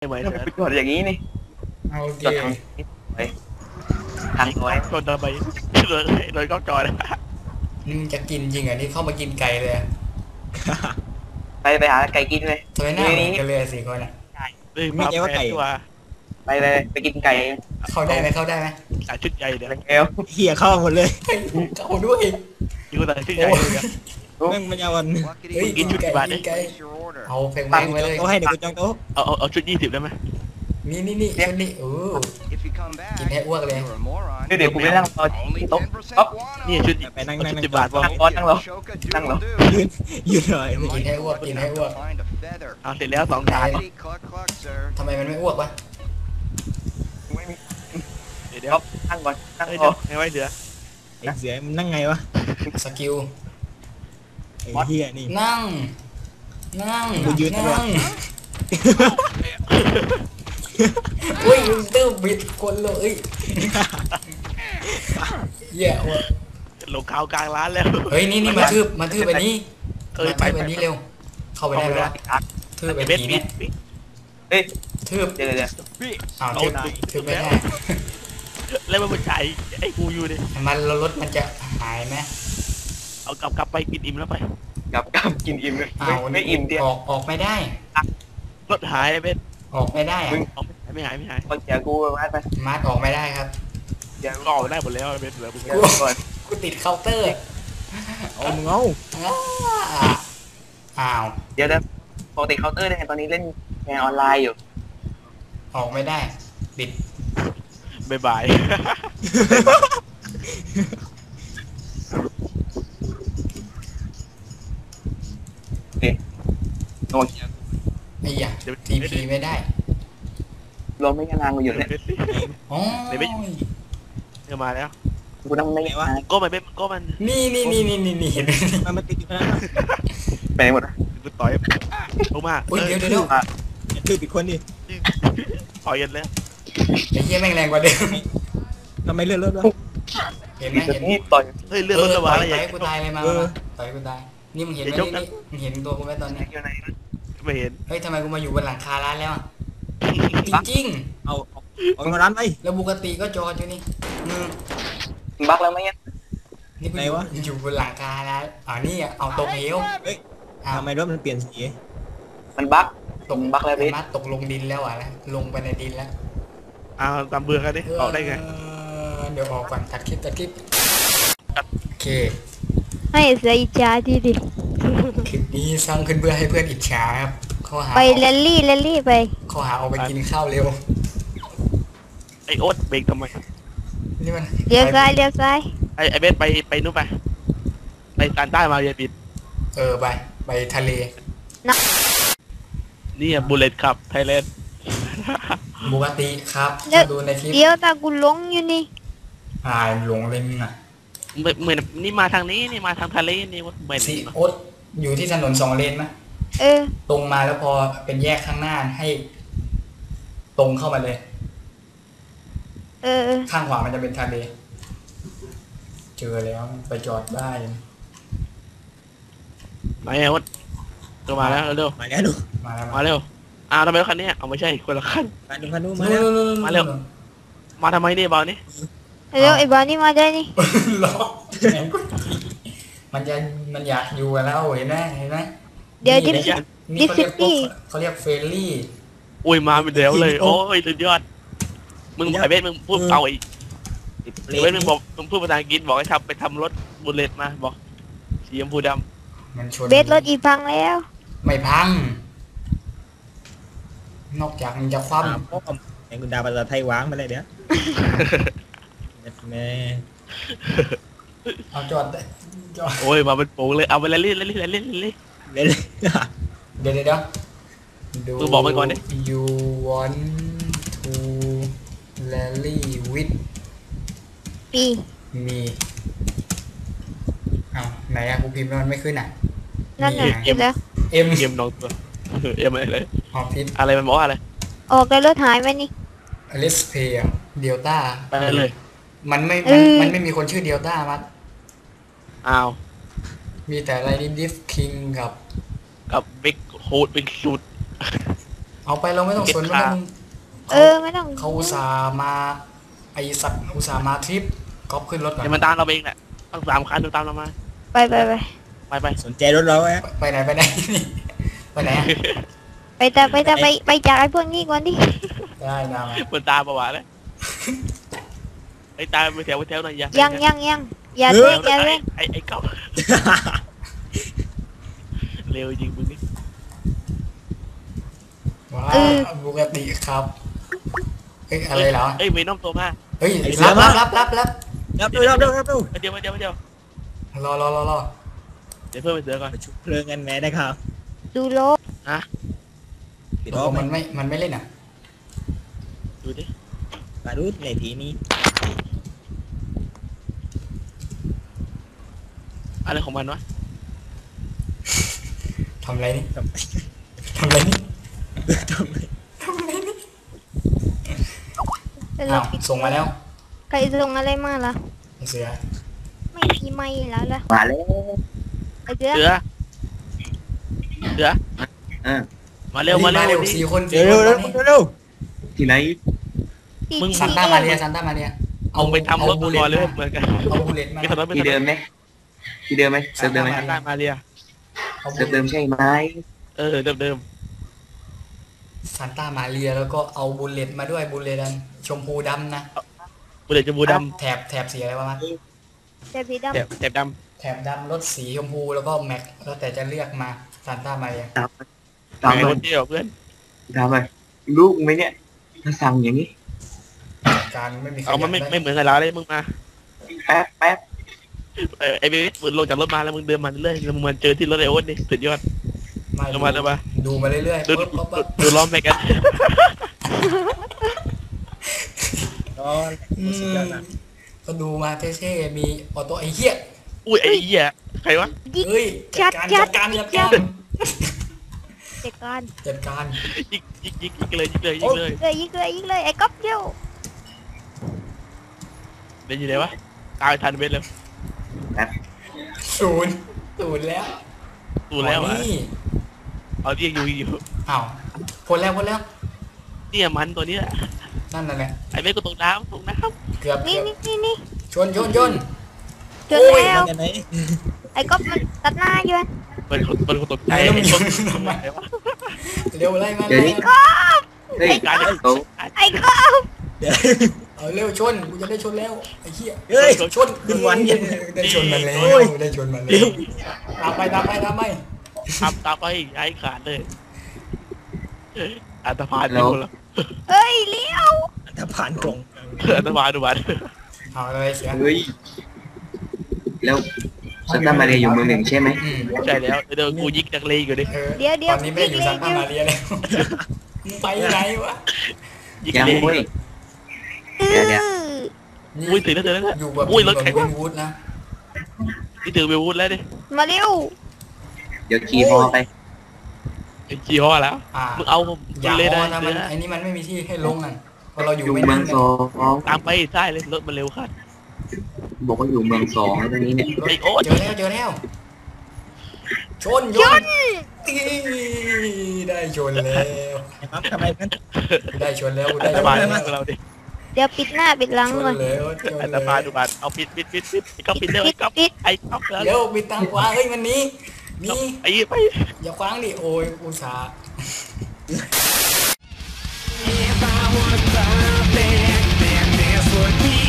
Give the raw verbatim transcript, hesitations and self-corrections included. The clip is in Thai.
เหมือนทำไมไปกดอย่างนี้นี่โอเคกดทางนี้ไปทางน้อยโดนทำไมโดนโดนกล้องจอนะมึงจะกินจริงเหรอนี่เข้ามากินไก่เลยอะไปไปหาไก่กินเลยทำไมหน้าเหมืนี่อนนี่กันเลยอะสี่คนอ่ะเฮ้ยมาแพ้ตัวไปเลยไปกินไก่เข้าได้ไหมเข้าได้ไหมใส่ชุดใหญ่เดี๋ยวเร็วเหี้ยเข้าหมดเลยเฮ้ยเข้าด้วยยูใส่ชุดใหญ่เลยแม่งมันยาวันเฮ้ยกินชุดกี่บาทกิเนี่ยนไก่เอาเพลงวางไว้เลยเขาให้เด็กกูจองโต๊ะเอาเอาเอาชุดยี่สิบได้ไหมนี่นี่นี่ชุดนี้โอ้กินให้อ้วกเลยเดี๋ยวกูไปนั่งรอที่โต๊ะอ๊อฟนี่ชุดไปนั่งชุนั่งดนั่งสิบบาทพอนั่งรอนั่งรอนั่งรอยืนยืนหน่อยกินให้อ้วกกินให้อ้วกเอาเสร็จแล้วสองถาดทำไมมันไม่อ้วกวะเดี๋ยวอ๊อฟนั่งก่อนนั่งเฮ้ยรอเดี๋ยวให้ไว้เสือไอ้เสือมันนั่งไงวะสกิลไอ้เหี้ยนี่นั่ง นั่งกูยืนตลอดนั่งอุ้ยยูเตอร์บิดคนเลยเหี้ยว่ะลงข่าวกลางร้านแล้วเฮ้ยนี่นี่มาทืบมาทืบอันนี้เอ้ยมาไปทืบไปอันนี้เร็ว เข้าไปได้ไหมวะทืบไอ้เบ็ดผีปิเนี่ดยปิดเฮ้ยทืบเดี๋ยวเดี๋ยวอ้าวทืบทืบไม่ได้แล้วมันใช้ไอ้กูอยู่ดิมันแล้วรถมันจะหายไหมเอากลับกลับไปกินอิ่มแล้วไปกลับกลับกินอิ่มเลยอ้าวไม่อิ่มเดียวออกออกไม่ได้รถหายเบ็ดออกไม่ได้อะเอาไม่หายไม่หายคนเสียกูไปวัดไปมาร์ทออกไม่ได้ครับเดี๋ยวก็ออกได้หมดแล้วเบ็ดเหลือมึงเดี๋ยวก่อนกูติดเคาน์เตอร์เอามึงเอาอ้าอ้าวเดี๋ยวเดี๋ยวปกติเคาน์เตอร์เนี่ยตอนนี้เล่นงานออนไลน์อยู่ออกไม่ได้ติดบายบายโอ้ยไอ้ยะทีพีไม่ได้รวมไม่กันนานกูอยู่เนี่ยอ๋อเดี๋ยวมาแล้วกูนั่งไม่กันนานก็มันเป็นก็มันนี่นี่นี่นี่นี่นี่เห็นไหมมันมันติดอยู่ขนาดนั้นไปไหนหมดอะกูต่อยลงมาอุ้ยเดี๋ยวเดี๋ยวเดี๋ยวอย่าทืบอีกคนดิต่อยกันแล้วไอ้เหี้ยแม่งแรงกว่าเดิมทำไมเลื่อนรถวะเห็นไหมเดี๋ยวเห็นนี้ต่อยเฮ้ยเรื่องเอรอถระต่บาอดยอะไรไปอย่างกูตายเลยมามาต่อยกูตายนี่มึงเห็นไหมนี่นี่มึงเห็นตัวกูไหมตอนนี้อยู่ไหนไม่เห็นเฮ้ยทำไมกูมาอยู่บนหลังคาร้านแล้วอ่ะจริงเอาเอาเอามาร้านไปๆแล้วปกติก็จอดอยู่นี่อืมบักแล้วไหมเนี่ยนี่กูอยู่อยู่บนหลังคาร้านอ๋อนี่อ่ะเอาตกเหวเฮ้ยอ้าวทำไมรถมันเปลี่ยนสีมันบักตกบักแล้วพี่มาตกลงดินแล้วอ่ะนะลงไปในดินแล้วเอาตามเบื่อกันดิออกได้ไงเออเดี๋ยวออกก่อนตัดคลิปตัดคลิปโอเคให้เสียอิจฉาทีดิคลิปนี้สร้างขึ้นเพื่อให้เพื่อนอิจฉาครับข้อหาไปแรลลี่แรลลี่ไปข้อหาเอาไปกินข้าวเร็วไอโอ๊ตเบรกทำไมนี่มันเลี้ยวซ้ายเลี้ยวซ้ายไอไอเบสไปไปนู่นไปไปการใต้มาเยปิดเออไปไปทะเลนี่อ่ะบุลเลตครับไทยแลนด์ปกติครับเดี๋ยวดูในคลิปเดี๋ยวตากูหลงอยู่นี่อ่าหลงเลยมึงอ่ะเหมือนนี่มาทางนี้นี่มาทางทะเลนี่ว่าไม่สิดีโอ๊ตอยู่ที่ถนนสองเลนไหมเออตรงมาแล้วพอเป็นแยกข้างหน้าให้ ตรงเข้ามาเลยเออเออข้างขวามันจะเป็นทะเล เจอแล้วไปจอดได้ไหนไอโอ๊ตก็มาแล้วเร็วมาแล้วดูมาแล้วมาเร็วอ้าวทำไมรถคันนี้เอาไม่ใช่คนละคันมาดูมาดูมามาแล้แล้ว วมาเร็ว มาทำไมเนี่ยบอลนี่เดี๋ยวไอ้บานี่มาได้นี่ล้อมันจะมันอยากอยู่กับเราเห็นไหมเห็นไหมเดี๋ยวดินี่ฟนี่เขาเรียกพวก Disney เขาเรียกเฟรนลี่อุ้ยมาเป็นเดี๋ยวเลย โอ้ยสุดยอดมึงไอเบสมึงพูดเอาไอ้ไอเบสมึงบอกมึงพูดภาษาอังกฤษบอกให้ทำไปทำรถบุลเลตมาบอกสีชมพูดมันชนเบสรถอีพังแล้วไม่พัง นอกจากมันจะคว่อ้าวพ่อไอ้กุณดาภาษาไทยวางมาเลยเดี๋ยวแม่ำเอาจอดจอดำโอ้ยมาเป็นโป่งเลยเอาไปเล่นเล่นเล่นเล่นเล่นเล่นเล่นเลยเดี๋ยวเดี๋ยวเดี๋ยวดูมึงบอกมันก่อนดิ you want to rally with ปี me เอาไหนอะกูพิมพ์แล้วมันไม่ขึ้นอะนั่นน่ะนี่ไงคิดแล้วเอ็มเอ็มน้องตัวเอ็มอะไรเลยออฟฟิศอะไรมันบอกว่าอะไรออกแล้วรถหายไหมนี่อลิสเพย์เดลต้าไปเลยมันไม่เอมันอมันไม่มีคนชื่อเดลต้ามัดอ้าวมีแต่อะไรนี่ดิฟคิงกับกับบิ๊กโฮดบิ๊กชูดเอาไปเราไม่ต้องสนว่ามึงเออไม่ต้องเขาอุตส่าห์มาไอสัตว์อุตส่าห์มาทริปก๊อปขึ้นรถก่อนเดี๋ยวมันตามเราเองแหละต้องสามคันดูตามเรามาไปไปไปไปไปสนใจรถเราไหมไปไหนไปไหนไปไหนไปแต่ไปแต่ไปไปจากไอ้พวกนี้ก่อนดิได้ได้มามันตามประวัติเลยไอ้ตามไปแถวไปแถวหน่อยอย่ายังยังยังอย่าเอเร่องอย่าเร่งไอ้ไอ้เก้าเร็วจริงมึงนี่ว้าปกติครับเอ้ยอะไรเหรอเอ้ยมีน้องตัวมาเฮ้ยรับรับรับรับรับรับดูรับดูรับดูเดี๋ยวเดี๋ยวเดี๋ยวรอรอรอรอเดี๋ยวเพิ่มไปเสือก่อนไปชุบเพลิงกันแม่ได้ครับดูโลกปิดตล้อกลงมัมัน นไม่มันไม่เล่นอ่ะดูดิมาดูในทีนี้อะไรของมันวะทำอะไรนี่ทำไมทำอะไรนี่ทำไมทำอะไรนี่แต่อ้าเราวปิดส่งมาแล้วใครส่งอะไรมาล่ะไอ้เสือไม่มีไม่แล้วล่ะมาแล้วไอ้เสือเสือเสืออ่ามาเร็วมามาเร็เร็ววดิสี่คนเร็สี่วคนเร็วตอนเร็นี้วเร็วที่ไหนที่มึงซันต้ามาเรียซันต้ามาเรียเอาไปทำรถก่อนเลยเหมือนกันเอาบูเลตมาไม่ทำรถไม่ที่ทำรเดิถมไหมที่เดิมไหมเซิร์ฟเดิมไหมได้มาเรียเอาบูเซิร์ฟเลเดิตมใช่ไหมเออเดิมเดิมซันต้ามาเรียแล้วก็เอาบูเลตมาด้วยบูเลตอันชมพูดำนะบุเรตจะบูดแถบแถบสีอะไรวะมันแต่สีำแถบดำแถบดแถบดำรถสีชมพูแล้วก็แม็กแล้วแต่จะเลือกมาซันต้ามาเรียตามำตามไงไปรถเที่ยวเพื่อนตามไปลูกไหมเนี่ยถ้าสั่งอย่างนี้การไม่มีใครเอามันไม่ยากไม่ได้เหมือนกับเราเลยมึงมาแป๊บแป๊บเออไอ้เบบี้มึงลงจากรถมาแล้วมึงเดินมาเรื่อยแล้วมึงมาเจอที่รถไอ้โอ๊ตนี่สุดยอดไม่เอามาเอามาดูมาเรื่อยๆดูปุ๊บปุ๊บปุ๊บดูล้อมไปกันรออืสุดยอดมนะก็ดูมาเท่ๆมีออโต้ไอ้เหี้ยอุ้ยไอ้เหี้ยใครวะยิกเฮ้ยจัดการจัดการจัดการเด็กการจัดการยิกยิกยิกยิกเลยยิกเลยยิกเลยเลยยิงเลยยิงเลยไอ้ก๊อฟเดียวเดี๋ยวอยู่ไหนวะตายทันเบสเลยศูนย์ศูนย์แล้วดูแล้วอ๋ออ่ะนี่เอาที่ยังอยู่อยู่อ้าวพ้นแล้วพ้นแล้วเนี่ยมันตัวนี้แหละนั่นน่ะแหละไอ้เบสก็ตกน้ำตกน้เกือบนี่เกือบนี่นี่นี่ชนชนชนจนโอ้ยแล้วกันไหนไอ้ก๊อฟมันตัดหน้าอยู่อะำเป็นคนเป็นคนตกใจแล้วมันไอ้ยิคนงทำไมไหนวะเร็วไล่มาเดี๋ยวเร็นี้วเฮ้ยการโตไอ้ก๊อฟเดี๋ยวเอาเร็วชนกูจะได้ชนแล้วไอ้เหี้ยเฮ้ยชนขึ้นวันเย็นได้ชนมันแล้วได้ชนมันแล้เร็ววตามไปตามไปตามไปทำตามไปไอ้ขาดเลยอันตรพานดูแล้วเฮ้ยเลี้ยวถ้าผ่านกล่องอันตรพานดูบัตรเอาเลยเสียเฮ้ยแล้วซันต้ามาเรียอยู่เมืองหนึ่งใช่ไหมอืมใช่แล้วเดี๋ยวกูยิกนักเลงอยู่ดิเออเดี๋ยวเดี๋ยวตอนนี้ไม่ได้อยู่ซานต้ามาเรียแล้วมึงไปไหนวะยิกยังเลงเว้ยอื้เดี๋ยวเดี๋ยวออุ้ยตื่นแล้วตื่นแล้วอยู่แบบอุ้ยรถแบแข็บงวิว่ะนวูดนะนี่ตื่นไปวูดแล้วดิมาเร็วเดี๋ยวขี่ฮอไปไอ้จีฮอแล้วอ่ามึงเอาผมอย่าเลยพได้อนะมันไอ้นี่มันไม่มีที่ให้ลงอ่ะเพราะเราอยู่อยู่ไม่เมืนิ่อง งนะสองตามไปใช่เลยรถมันเร็วขึ้นบอกว่าอยู่เมืองสองแล้วตอนนี้เนี่ยไอ้โอ๊ตเจอแล้วเจอแล้วชนยนตีได้ชนแล้วไอ้ปั๊มทำไมมันกูได้ชนแล้วกูอัได้นชตรนพานแล้วดูเราดิเดี๋ยวปิดหน้าปิดหลังชนก่อนแล้วชนอันตแล้รพานวดูบัตรเอาปิดปิดปิดปิดไอ้ก๊อฟปิดเร็วไอ้ก๊อฟปิดไอ้ก๊อฟแล้วเดี๋ยวมีตังขวาเฮ้ยมันหนี้นี่ไอ้ไปอย่าคว้างดิโอ้ยอุตส่าห์ If I was perfect, then this would be